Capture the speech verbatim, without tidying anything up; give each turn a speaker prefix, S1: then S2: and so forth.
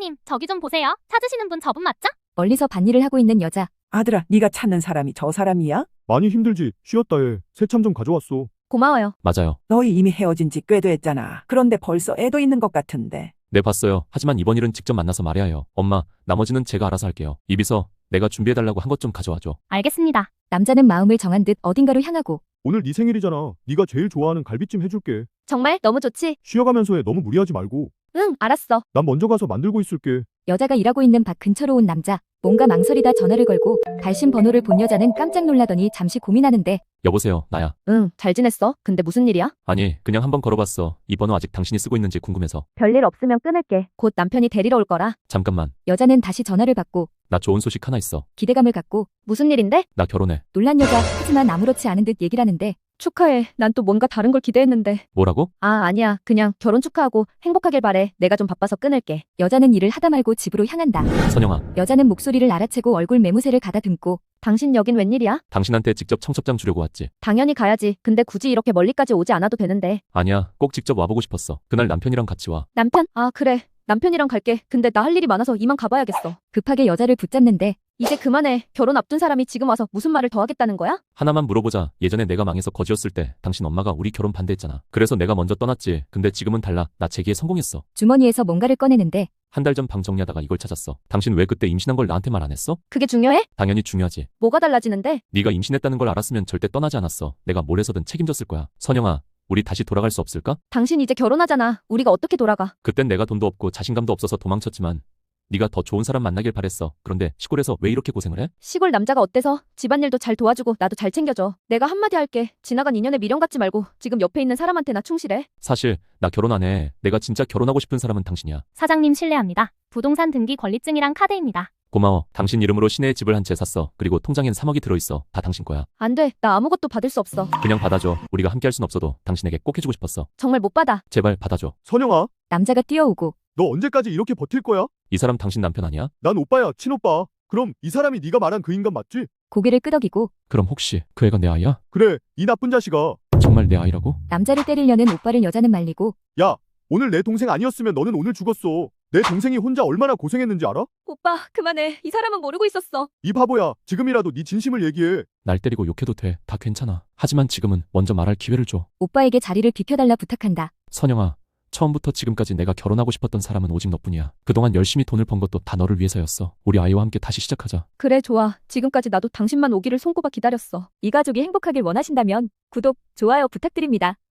S1: 사장님, 저기 좀 보세요. 찾으시는 분 저분 맞죠?
S2: 멀리서 밭일을 하고 있는 여자.
S3: 아들아, 네가 찾는 사람이 저 사람이야?
S4: 많이 힘들지. 쉬었다 해. 새참 좀 가져왔어.
S2: 고마워요.
S5: 맞아요.
S3: 너희 이미 헤어진 지 꽤 됐잖아. 그런데 벌써 애도 있는 것 같은데.
S5: 네, 봤어요. 하지만 이번 일은 직접 만나서 말해야 해요. 엄마, 나머지는 제가 알아서 할게요. 이비서, 내가 준비해달라고 한 것 좀 가져와줘.
S1: 알겠습니다.
S2: 남자는 마음을 정한 듯 어딘가로 향하고.
S4: 오늘 네 생일이잖아. 네가 제일 좋아하는 갈비찜 해줄게.
S2: 정말 너무 좋지?
S4: 쉬어가면서 해. 너무 무리하지 말고.
S2: 응, 알았어.
S4: 난 먼저 가서 만들고 있을게.
S2: 여자가 일하고 있는 밭 근처로 온 남자. 뭔가 망설이다 전화를 걸고 발신 번호를 본 여자는 깜짝 놀라더니 잠시 고민하는데.
S5: 여보세요, 나야.
S2: 응, 잘 지냈어? 근데 무슨 일이야?
S5: 아니, 그냥 한번 걸어봤어. 이 번호 아직 당신이 쓰고 있는지 궁금해서.
S2: 별일 없으면 끊을게. 곧 남편이 데리러 올 거라.
S5: 잠깐만,
S2: 여자는 다시 전화를 받고
S5: 나 좋은 소식 하나 있어.
S2: 기대감을 갖고. 무슨 일인데?
S5: 나 결혼해.
S2: 놀란 여자. 하지만 아무렇지 않은 듯 얘기를 하는데. 축하해. 난 또 뭔가 다른 걸 기대했는데.
S5: 뭐라고?
S2: 아, 아니야. 그냥 결혼 축하하고 행복하길 바래. 내가 좀 바빠서 끊을게. 여자는 일을 하다 말고 집으로 향한다.
S5: 선영아,
S2: 여자는 목소리를 알아채고 얼굴 매무새를 가다듬고. 당신 여긴 웬일이야?
S5: 당신한테 직접 청첩장 주려고 왔지.
S2: 당연히 가야지. 근데 굳이 이렇게 멀리까지 오지 않아도 되는데.
S5: 아니야, 꼭 직접 와보고 싶었어. 그날 남편이랑 같이 와.
S2: 남편? 아, 그래. 남편이랑 갈게. 근데 나 할 일이 많아서 이만 가봐야겠어. 급하게 여자를 붙잡는데. 이제 그만해. 결혼 앞둔 사람이 지금 와서 무슨 말을 더 하겠다는 거야?
S5: 하나만 물어보자. 예전에 내가 망해서 거지였을 때 당신 엄마가 우리 결혼 반대했잖아. 그래서 내가 먼저 떠났지. 근데 지금은 달라. 나 재기에 성공했어.
S2: 주머니에서 뭔가를 꺼내는데.
S5: 한 달 전 방 정리하다가 이걸 찾았어. 당신 왜 그때 임신한 걸 나한테 말 안 했어?
S2: 그게 중요해?
S5: 당연히 중요하지.
S2: 뭐가 달라지는데?
S5: 네가 임신했다는 걸 알았으면 절대 떠나지 않았어. 내가 뭘 해서든 책임졌을 거야. 선영아, 우리 다시 돌아갈 수 없을까?
S2: 당신 이제 결혼하잖아. 우리가 어떻게 돌아가?
S5: 그땐 내가 돈도 없고 자신감도 없어서 도망쳤지만 네가 더 좋은 사람 만나길 바랬어. 그런데 시골에서 왜 이렇게 고생을 해?
S2: 시골 남자가 어때서? 집안일도 잘 도와주고 나도 잘 챙겨줘. 내가 한마디 할게. 지나간 인연에 미련 갖지 말고 지금 옆에 있는 사람한테나 충실해.
S5: 사실 나 결혼 안 해. 내가 진짜 결혼하고 싶은 사람은 당신이야.
S1: 사장님 실례합니다. 부동산 등기 권리증이랑 카드입니다.
S5: 고마워. 당신 이름으로 시내에 집을 한 채 샀어. 그리고 통장엔 삼억이 들어있어. 다 당신 거야.
S2: 안 돼. 나 아무것도 받을 수 없어.
S5: 그냥 받아줘. 우리가 함께 할 순 없어도 당신에게 꼭 해주고 싶었어.
S2: 정말 못 받아.
S5: 제발 받아줘.
S4: 선영아,
S2: 남자가 뛰어오고.
S4: 너 언제까지 이렇게 버틸 거야?
S5: 이 사람 당신 남편 아니야?
S4: 난 오빠야, 친오빠. 그럼 이 사람이 네가 말한 그 인간 맞지?
S2: 고개를 끄덕이고.
S5: 그럼 혹시 그 애가 내 아이야?
S4: 그래, 이 나쁜 자식아.
S5: 정말 내 아이라고?
S2: 남자를 때리려는 오빠를 여자는 말리고.
S4: 야, 오늘 내 동생 아니었으면 너는 오늘 죽었어. 내 동생이 혼자 얼마나 고생했는지 알아?
S2: 오빠, 그만해. 이 사람은 모르고 있었어.
S4: 이 바보야, 지금이라도 네 진심을 얘기해.
S5: 날 때리고 욕해도 돼. 다 괜찮아. 하지만 지금은 먼저 말할 기회를 줘.
S2: 오빠에게 자리를 비켜달라 부탁한다.
S5: 선영아, 처음부터 지금까지 내가 결혼하고 싶었던 사람은 오직 너뿐이야. 그동안 열심히 돈을 번 것도 다 너를 위해서였어. 우리 아이와 함께 다시 시작하자.
S2: 그래, 좋아. 지금까지 나도 당신만 오기를 손꼽아 기다렸어. 이 가족이 행복하길 원하신다면 구독, 좋아요 부탁드립니다.